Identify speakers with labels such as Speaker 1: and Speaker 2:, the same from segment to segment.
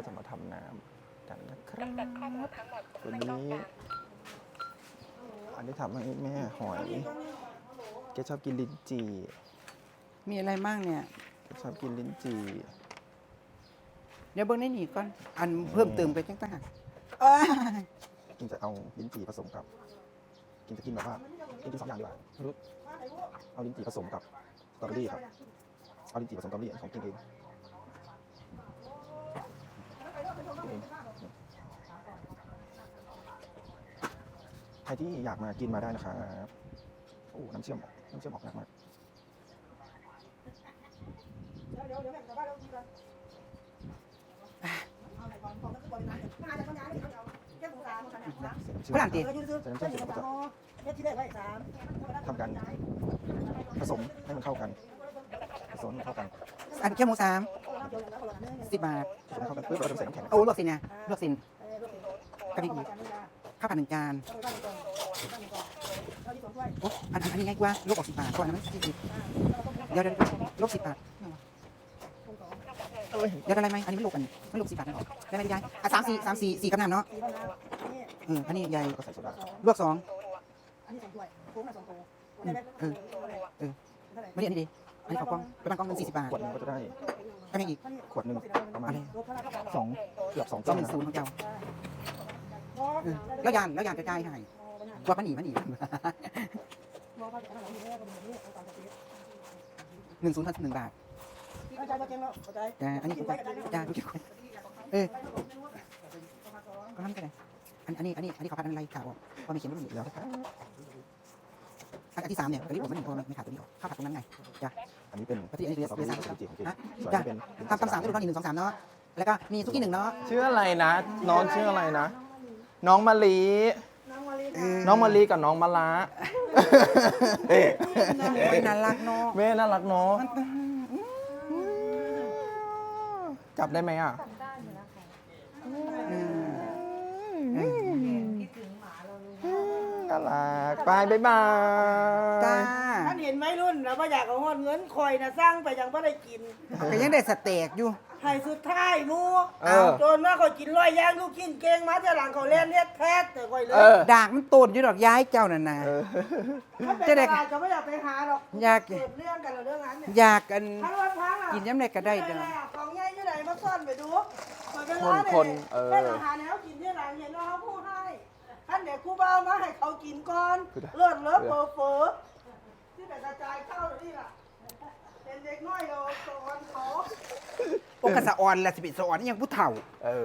Speaker 1: จะมาทำน้ำกันนะครับวันนี้อันนี้ทำให้แม่หอยแกชอบกินลิ้นจี่
Speaker 2: มีอะไรบ้างเนี่ย
Speaker 1: แกชอบกินลิ้นจี่
Speaker 2: เดี๋ยวเบิ้งได้หนีก่อนอันเพิ่มเติมไปจังต่าง
Speaker 1: กินจะเอาลิ้นจี่ผสมกับกินจะกินแบบว่ากิน2อย่างดีกว่ารู้เอาลิ้นจี่ผสมกับสตรอเบอรี่ครับเอาลิ้นจี่ผสมสตรอเบอรี่ของกินเองใครที่อยากมากินมาได้นะครับโอ้น้ำเชื่อมออกมาก
Speaker 2: ฝรั่งตี
Speaker 1: ใส่น้ำเชื่อมเสร็จแล้วก็ทำการผสมให้มันเข้ากัน
Speaker 2: อันแค่หมู10 บาท
Speaker 1: เข้ากันเพื่อเราจะใส่น้ำแข็ง
Speaker 2: โอ้ลวกสิเนี่ยลวกสินกะปิข้าวผัด1 จานโอ้อันนี้ง่ายกว่าลวกออก10 บาทก่อนนะมัน40เดี๋ยวลวก10 บาทเดี๋ยวอะไรไหมอันนี้ไม่ลวกกันไม่ลวก10 บาทนะหรอได้ไหมยายอ่ะ3 4กำนันเนาะอันนี้ยาย
Speaker 1: ก็ใส่โซดา
Speaker 2: ลวก2ไม่ได้อันนี้ดีอันนี้ขอกล้องไปบางกล้องเป็น40 บาท
Speaker 1: ขวดนึงก็จะได้
Speaker 2: ก็ยังอีก
Speaker 1: ขวดนึงประมาณ2เกือบ2
Speaker 2: ก็10ของเจ้าแล้วยานกระจายให้กว่ามันหนี10 1 บาทแต่อันนี้กระจายทุกคนก็ทำกันเลยอันนี้เขาพัดอะไรข่าวพอไม่เขียนไม่หนีแล้วอันที่3เนี่ยอันนี้ผมไม่หนีพอไม่ขาดตัวนี้ออกข้าวผัดตรงนั้นไงจ้ะ
Speaker 1: อันนี้เป็น
Speaker 2: อันนี้
Speaker 1: สตรอเบอรี่ของจีของจี
Speaker 2: จ้ะตำ3ก็ดู1 2 3เนาะแล้วก็มีซุกี้1เนาะ
Speaker 1: ชื่ออะไรนะน้องชื่ออะไรนะน้องมะลิน้องมะลิกับน้องมะละ
Speaker 2: น่ารักเนาะ
Speaker 1: แม่น่ารักเนาะจับได้ไหมอ่ะน่ารักไปบ๊ายบาย
Speaker 2: จ้า
Speaker 3: ท่านเห็นไหมรุ่นแล้วว่าอยากเอาเงินคอยนะสร้างไปยังไม่ได้กิน
Speaker 2: ก็ยังได้สเต็กอยู่
Speaker 3: ให้สุดท้ายมูจนว่าเขากินร้อยย่างลูกกินเก่งมาแต่หลังเขาเล่นเนี่ยแท้แต่คอยเลย
Speaker 2: ด่างมันตูนอยู่ดอกย้ายเจ้านั่นนะ
Speaker 3: จะได้ก็ไม่อยากไปหาหรอก
Speaker 2: อยาก
Speaker 3: เกิดเรื่องกันเรื่องนั้นเนี่ย
Speaker 2: อยากกันกินย้ำไหนก็ได้
Speaker 3: เด้อของใหญ่ที่ไหนมาซ่อนไปดู
Speaker 1: คน
Speaker 3: เป็นอาหารแล้วกินที่หลังเห็นว่าเขาพูดให้ท่านเด็กครูเบามาให้เขากินก่อนเลือดเฟอที่แต่กระจายเข้านี่ล่ะเป็นเด็กน้อยเราสอนเขา
Speaker 2: โอกาสะออนและสิบิสะออนยังผู้เฒ่า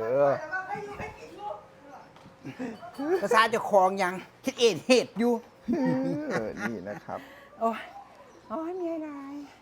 Speaker 2: ภาษาจะคลองยังคิดเหตุอยู่
Speaker 1: นี่นะครับ
Speaker 2: โอ้ยมีอะไร